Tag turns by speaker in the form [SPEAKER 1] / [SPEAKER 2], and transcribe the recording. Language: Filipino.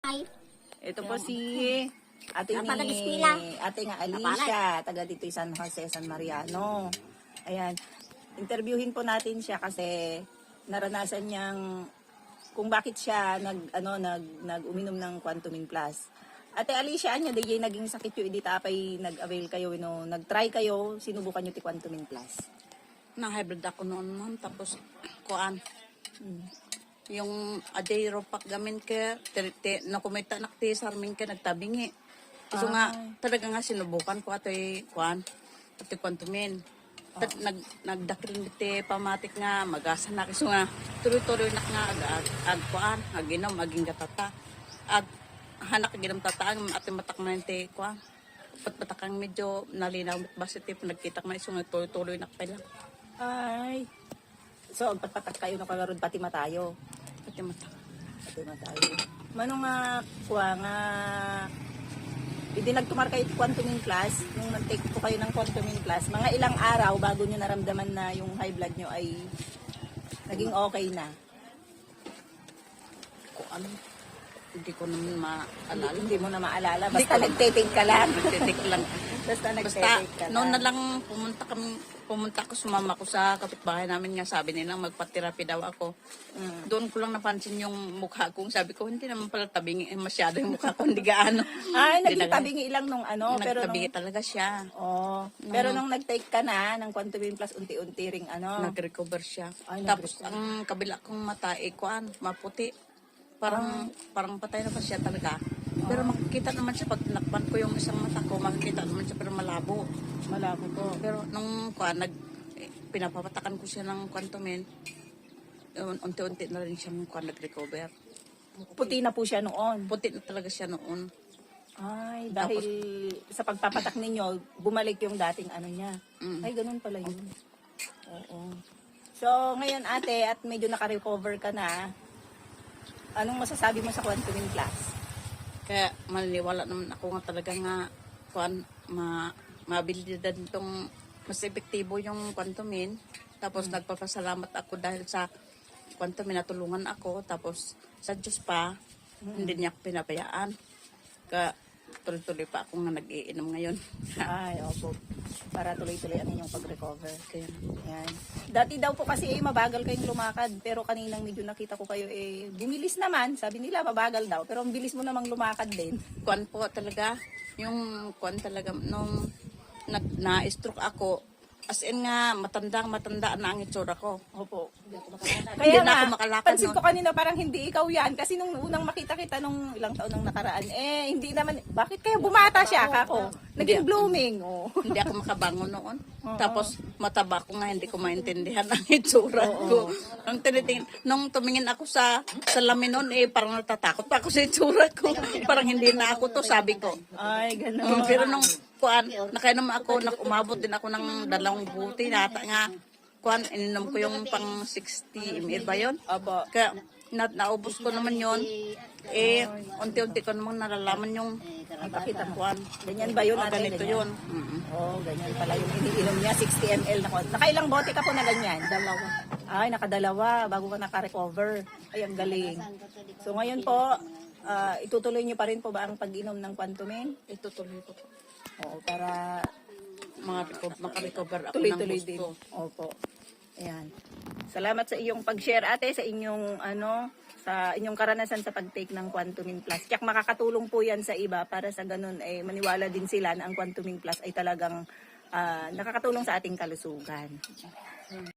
[SPEAKER 1] Ay,
[SPEAKER 2] Ito po si ate
[SPEAKER 1] Napaka-eskwela.
[SPEAKER 2] ate nga Alicia, taga dito San Jose, San Mariano. Ayan. Interviewin po natin siya kasi naranasan niyang kung bakit siya nag-uminom ng Quantumin Plus. Ate Alicia, anya DJ naging sakit yung edita apay nag-avail kayo, nag-try kayo, sinubukan yung ti Quantumin Plus.
[SPEAKER 3] Na-hybrid ako noon, ma'am. Tapos, kuan. Yung adero pak gamin ke, nakumita nakti sarming ke, nagtabingi. So nga, talaga nga sinubukan ko ato'y kuan, ato'y Quantumin. Nagdakil niti pamatik nga, magasa na. So nga, tuloy-tuloy na nga, kuan, aginom, aging gatata. Hanak aginom tataang, ati matak na niti kuan. Patpatakang medyo nalinaw, basit nagkita nga, so nga, tuloy-tuloy na pala.
[SPEAKER 2] Ay. So, patpatak kayo na kalarod pati matayo.
[SPEAKER 3] Pati matak.
[SPEAKER 2] Pati matayo. Mano nga, kuha nga, hindi nagtumar kayo Quantumin Plus, nung nag-take po kayo ng Quantumin Plus, mga ilang araw bago nyo naramdaman na yung high blood nyo ay naging okay na.
[SPEAKER 3] Kuan. Hindi ko naman maalala.
[SPEAKER 2] Hindi mo na maalala, basta nag-take ka lang.
[SPEAKER 3] Nagtitik lang.
[SPEAKER 2] Basta
[SPEAKER 3] Basta,
[SPEAKER 2] nag-take ka lang.
[SPEAKER 3] noon na lang pumunta ako, sumama ko sa kapitbahay namin nga, sabi nilang magpaterapi daw ako. Doon ko lang napansin yung mukha ko. Sabi ko, hindi naman pala tabingi masyado yung mukha ko, hindi gaano.
[SPEAKER 2] Ay,
[SPEAKER 3] Hindi
[SPEAKER 2] naging tabingi ilang nung pero nung,
[SPEAKER 3] Nagtabingi talaga siya.
[SPEAKER 2] pero nung nag-take ka na ng Quantumin Plus, unti-unti ring
[SPEAKER 3] Nag-recover siya.
[SPEAKER 2] Ay,
[SPEAKER 3] Tapos, ang kabila kong mata, kuan, maputi. Parang patay na pa siya talaga. Pero makikita naman siya, pag tinakpan ko yung isang mata ko, makikita naman siya, pero malabo.
[SPEAKER 2] malabo to.
[SPEAKER 3] Pero nung kuan, pinapapatakan ko siya ng Quantumin, unti-unti na rin siyang kuan, nag-recover.
[SPEAKER 2] Puti na po siya noon.
[SPEAKER 3] Puti na talaga siya noon.
[SPEAKER 2] Ay, dahil sa pagpapatak ninyo, bumalik yung dating ano niya. Ay, ganun pala yun. Oo. So, ngayon ate, at medyo naka-recover ka na, anong masasabi mo sa Quantumin Plus?
[SPEAKER 3] Kaya maniniwala naman ako nga talaga nga kuan, mabilidad nitong mas epektibo yung Quantumin. Tapos nagpapasalamat ako dahil sa Quantumin, natulungan ako. Tapos sa Diyos pa, hindi niya ako pinabayaan. Kaya tuloy-tuloy pa ako nga nag-iinom ngayon.
[SPEAKER 2] Ay, opo. Para tuloy-tuloy ang inyong pag-recover.
[SPEAKER 3] Kaya,
[SPEAKER 2] Yan. Dati daw po kasi mabagal kayong lumakad. Pero kaninang medyo nakita ko kayo bumilis naman. Sabi nila mabagal daw. Pero ang bilis mo namang lumakad din.
[SPEAKER 3] kuan po talaga, yung kuan talaga, nung na-stroke ako, as in nga, matanda na ang itsura ko.
[SPEAKER 2] Opo.
[SPEAKER 3] Hindi na ako makalakad
[SPEAKER 2] pansin
[SPEAKER 3] nun.
[SPEAKER 2] ko kanina parang hindi ikaw yan. Kasi nung unang makita kita nung ilang taon nang nakaraan, hindi naman, bakit kaya bumata siya kako? Naging blooming. Oh.
[SPEAKER 3] Hindi ako makabangon noon. Tapos mataba ko nga, hindi ko maintindihan ang itsura ko. Nung tumingin ako sa salamin noon, parang natatakot pa ako sa itsura ko. Parang hindi na ako to, sabi ko.
[SPEAKER 2] Ay, ganun.
[SPEAKER 3] Pero nung kuan, nakainom ako, umabot din ako ng 2 buti. Nata nga, kuan, ininom ko yung pang 60 ml ba yun?
[SPEAKER 2] Opo.
[SPEAKER 3] Kaya naubos ko naman yun. Unti-unti ko naman nalalaman yung
[SPEAKER 2] Pakita mo.
[SPEAKER 3] kuan.
[SPEAKER 2] Ganyan ba yun? Ate?
[SPEAKER 3] Ganito
[SPEAKER 2] Ganyan?
[SPEAKER 3] yun.
[SPEAKER 2] Ganyan pala yung iniinom niya, 60 ml na ko. Nakailang bote ka po na ganyan?
[SPEAKER 3] 2.
[SPEAKER 2] Ay, nakadalawa bago ka naka-recover. Ay, ang galing. So ngayon po, itutuloy niyo pa rin po ba ang pag-inom ng Quantumin?
[SPEAKER 3] Itutuloy ko po.
[SPEAKER 2] Oo, para
[SPEAKER 3] Makarecover ako ng
[SPEAKER 2] tuloy-tuloy din.
[SPEAKER 3] gusto.
[SPEAKER 2] Opo. Ayan. Salamat sa iyong pag-share ate, sa inyong sa inyong karanasan sa pag-take ng Quantumin Plus. Tiyak makakatulong po 'yan sa iba para sa ganun maniwala din sila na ang Quantumin Plus ay talagang nakakatulong sa ating kalusugan.